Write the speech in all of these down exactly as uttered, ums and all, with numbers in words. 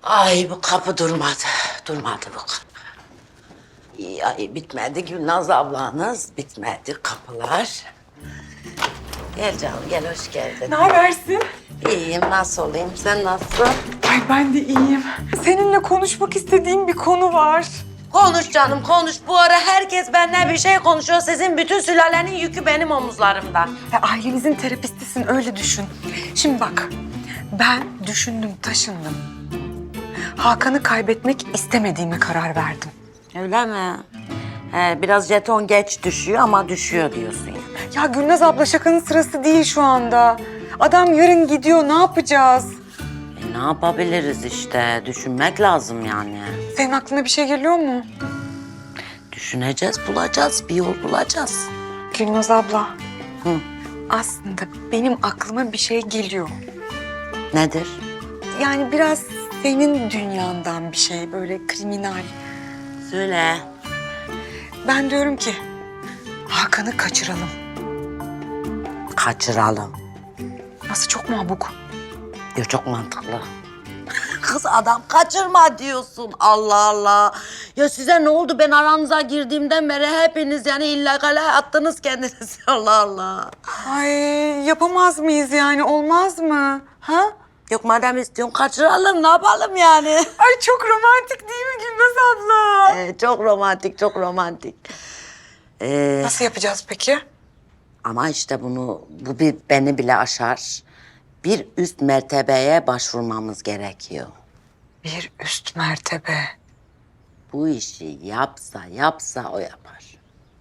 Ay bu kapı durmadı. Durmadı bu kapı. İyi, ay bitmedi Gülnaz ablanız. Bitmedi kapılar. Gel canım gel hoş geldin. Ne habersin? İyiyim nasıl olayım sen nasılsın? Ay ben de iyiyim. Seninle konuşmak istediğim bir konu var. Konuş canım konuş. Bu ara herkes benden bir şey konuşuyor. Sizin bütün sülalenin yükü benim omuzlarımda. Ve ailemizin terapistisin öyle düşün. Şimdi bak ben düşündüm taşındım. Hakan'ı kaybetmek istemediğime karar verdim. Öyle mi? He, biraz jeton geç düşüyor ama düşüyor diyorsun ya. Ya Gülnaz abla şakanın sırası değil şu anda. Adam yarın gidiyor ne yapacağız? E, ne yapabiliriz işte? Düşünmek lazım yani. Senin aklına bir şey geliyor mu? Düşüneceğiz, bulacağız. Bir yol bulacağız. Gülnaz abla. Hı. Aslında benim aklıma bir şey geliyor. Nedir? Yani biraz senin dünyandan bir şey böyle kriminal. Söyle. Ben diyorum ki Hakan'ı kaçıralım. Kaçıralım. Nasıl çok mabuk. Diyor çok mantıklı. Kız adam kaçırma diyorsun. Allah Allah. Ya size ne oldu? Ben aranıza girdiğimden beri hepiniz yani illegale attınız kendinizi. Allah Allah. Ay yapamaz mıyız yani olmaz mı? Ha? Yok madem istiyorsun kaçıralım ne yapalım yani? Ay çok romantik değil mi Gülnaz abla? Ee, çok romantik, çok romantik. Ee, Nasıl yapacağız peki? ama işte bunu, bu bir beni bile aşar. Bir üst mertebeye başvurmamız gerekiyor. Bir üst mertebe. Bu işi yapsa yapsa o yapar.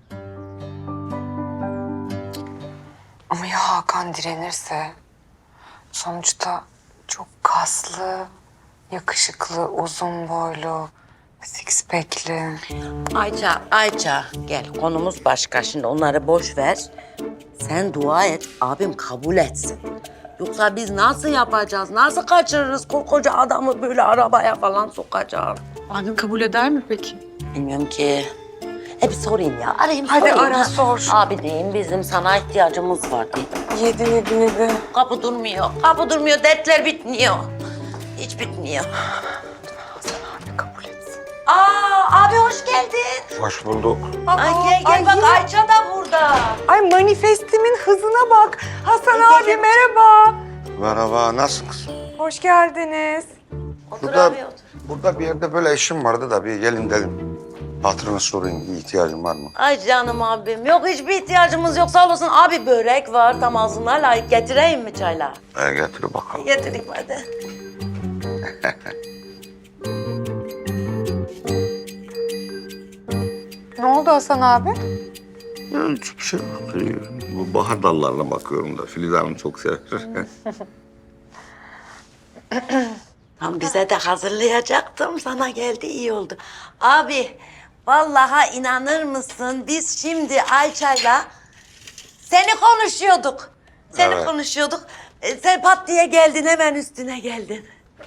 Ama ya Hakan direnirse? Sonuçta çok kaslı, yakışıklı, uzun boylu, six pack'li. Ayça, Ayça gel konumuz başka. Şimdi onları boş ver. Sen dua et, abim kabul etsin. Yoksa biz nasıl yapacağız, nasıl kaçırırız koca adamı böyle arabaya falan sokacağız? Abim kabul eder mi peki? Bilmiyorum ki. E bir sorayım ya, arayayım Hadi sorayım. ara, ha. sor. Abi diyeyim bizim sana ihtiyacımız var diyeyim. Yedi, yedi, yedi. Kapı durmuyor, kapı durmuyor, dertler bitmiyor. Hiç bitmiyor. Abi kabul etsin. Aa, abi hoş geldin. Hoş bulduk. Ay gel gel ay bak yine- Ayça da burada. Ay manifestimin hızına bak. Hasan Ay, abi gel. merhaba. Merhaba, nasılsınız? Hoş geldiniz. Otur Burada, abi otur. burada bir yerde böyle işim vardı da bir gelin dedim. Hatırını sorayım, bir ihtiyacın var mı? Ay canım abim. Yok hiçbir ihtiyacımız yok sağ olasın. Abi börek var tam ağzına layık. Getireyim mi çayla? E, getir bakalım. Getireyim hadi. Ne oldu Hasan abi? Ya, hiçbir şey yok. Bu bahar dallarına bakıyorum da Filiz Hanım çok sever. Tam bize de hazırlayacaktım. Sana geldi iyi oldu. Abi vallahi inanır mısın? Biz şimdi Ayça'yla seni konuşuyorduk. Seni Evet. konuşuyorduk. E, sen pat diye geldin hemen üstüne geldin.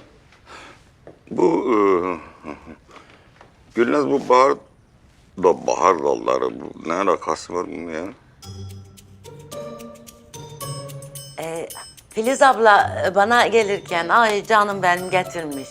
Bu... E, Gülnaz bu bahar da bahar dalları. Bu ne alakası var bunun ya? E, Filiz abla e, bana gelirken ay canım benim getirmiş.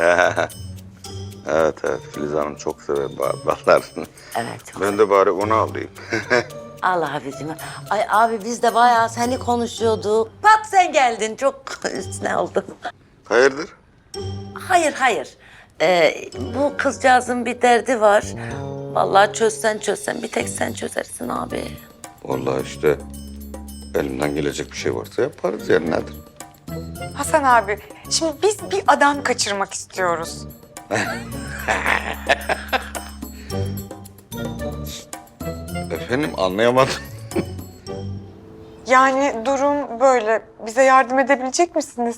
Evet evet Filiz Hanım çok sever bahar dallarını. Evet. çok Ben de bari onu alayım. Allah abicim. Ay abi biz de bayağı seni konuşuyorduk. Pat sen geldin. Çok üstüne oldum. Hayırdır? Hayır hayır. Ee, bu kızcağızın bir derdi var. Vallahi çözsen çözsen bir tek sen çözersin abi. Vallahi işte elimden gelecek bir şey varsa yaparız yani nedir? Hasan abi, şimdi biz bir adam kaçırmak istiyoruz. Efendim anlayamadım. Yani durum böyle. Bize yardım edebilecek misiniz?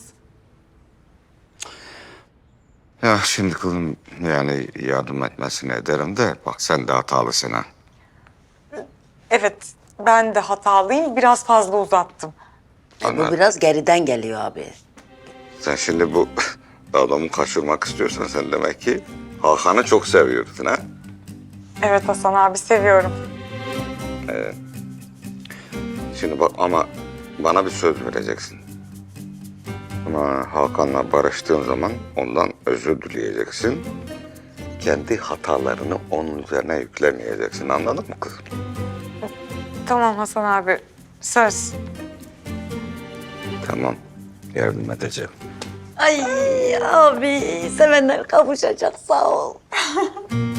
Ya şimdi kızım yani yardım etmesine ederim de bak sen de hatalısın ha. Evet, ben de hatalıyım. Biraz fazla uzattım. E, bu Anladım. biraz geriden geliyor abi. Sen şimdi bu adamı kaçırmak istiyorsan sen demek ki Hakan'ı çok seviyorsun ha. Evet Hasan abi, seviyorum. Şimdi bak ama bana bir söz vereceksin. Ha, Hakan'la barıştığın zaman ondan özür dileyeceksin. Kendi hatalarını onun üzerine yüklemeyeceksin. Anladın mı kızım? Tamam Hasan abi. Söz. Tamam. Yardım edeceğim. Ay abi sevenler kavuşacak sağ ol.